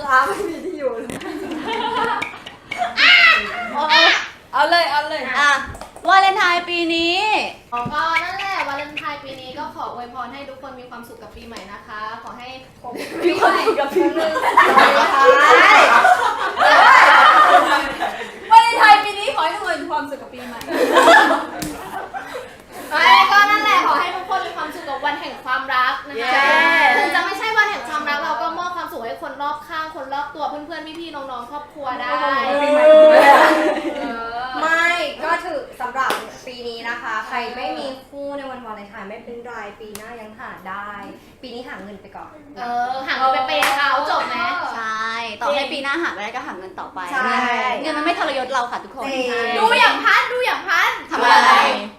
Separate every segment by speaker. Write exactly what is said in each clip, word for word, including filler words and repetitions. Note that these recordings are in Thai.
Speaker 1: าไม่มีที่อยู่
Speaker 2: เอาเลยเอาเลย
Speaker 3: อ่ะวาเลนไทน์ปีนี้
Speaker 4: ก็นั่นแหละวาเลนไทน์ปีนี้ก็ขออวยพรให้ทุกคนมีความสุขกับปีใหม่นะคะขอให้
Speaker 3: มีความสุขกับปีใหม่
Speaker 2: วาเลนไทน์ปีนี้ขอให้ทุกคนมีความสุขกับปีใหม่
Speaker 4: ก็นั่นแหละขอให้ทุกคนมีความสุขกับวันแห่งความรักนะคะถึงจะไม่ใช่วันแห่งความรักเราก็มอบความสุขให้คนรอบข้างคนรอบตัวเพื่อนๆพี่ๆน้องๆครอบครัวได้
Speaker 1: ไม่ก็ถือสำหรับปีนี้นะคะใครไม่มีคู่ในวันวาเลนไทน์ไม่เป็นไรปีหน้ายังหาได้ ปีนี้หาเงินไปก่อน
Speaker 4: เออหาเงินไปเปย์เขาจบไหม
Speaker 3: ใช่ต่อให้ปีหน้าหาไม่ได้ก็หาเงินต่อไปเงินมันไม่ทรยศเราค่ะทุกคน
Speaker 4: ดูอย่างพัดดูอย่างพัด
Speaker 3: ทำอะไร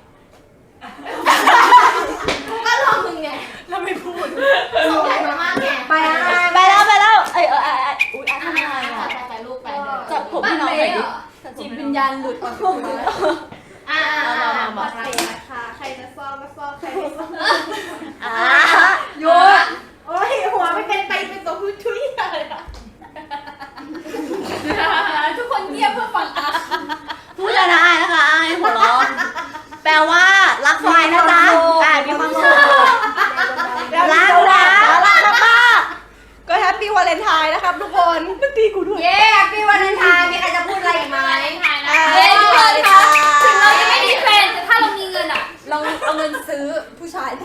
Speaker 4: ก็ลองมึงไง
Speaker 2: เราไม่พูด
Speaker 4: สงสัยมามากไง
Speaker 1: ไปอะไร
Speaker 3: ไปแล้วไปแล้วเออเอออุ้ยทำอะไร
Speaker 4: อ่ะไปลูกไปเลย
Speaker 3: จับผมพี่น้องหน่อยดิ
Speaker 2: จิตวิญญาณหลุดออกมา
Speaker 4: อ่า
Speaker 1: บอกใครนะคะใครจะซ่อมมาซ่อมใครไม่ซ่อม
Speaker 3: อ่า
Speaker 1: หยุดโอ้ยหัวไม่เป็นไปเป็นตัวผู้ช่วยอะไรอะ
Speaker 2: ทุกคนเงียบเพื่อฟังอ่ะ
Speaker 3: พูดแล้วนะอายนะคะอายหัวเราะแปลว่ารักไฟนะจ๊ะอ่ามีความสุขรักนะรักมาก
Speaker 1: ก็แฮปปี้วาเลนไทน์นะครับทุกคนมันตีกูด้วยเย้แฮปปี้วาเลนไทน์มีใครจะพูดอะไรอีกไหม
Speaker 2: เฮ้ยทุกคนคะถึงเราจะไม่มีแฟนแต่ถ้าเรามีเงินอ่ะเราเอาเงินซื้อผู้ชายได้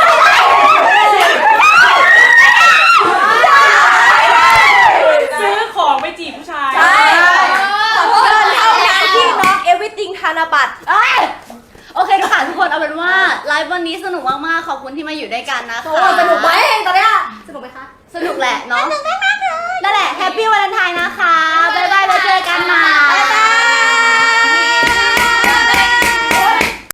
Speaker 2: ซื้อของไปจีบผู้ชาย
Speaker 1: ใช่ขอโทษเท่านั้นที่น้อง everything ธนบัตร
Speaker 3: โอเคทุกคนทุกคนเอาเป็นว่าไลฟ์วันนี้สนุกมากๆขอบคุณที่มาอยู่ด้วยกันนะคะ
Speaker 1: สนุกไหมตอนนี้สนุกไหมคะ
Speaker 3: สนุกแหละเนาะนั่นแหละแฮปปี้วาเลนไทน์นะคะ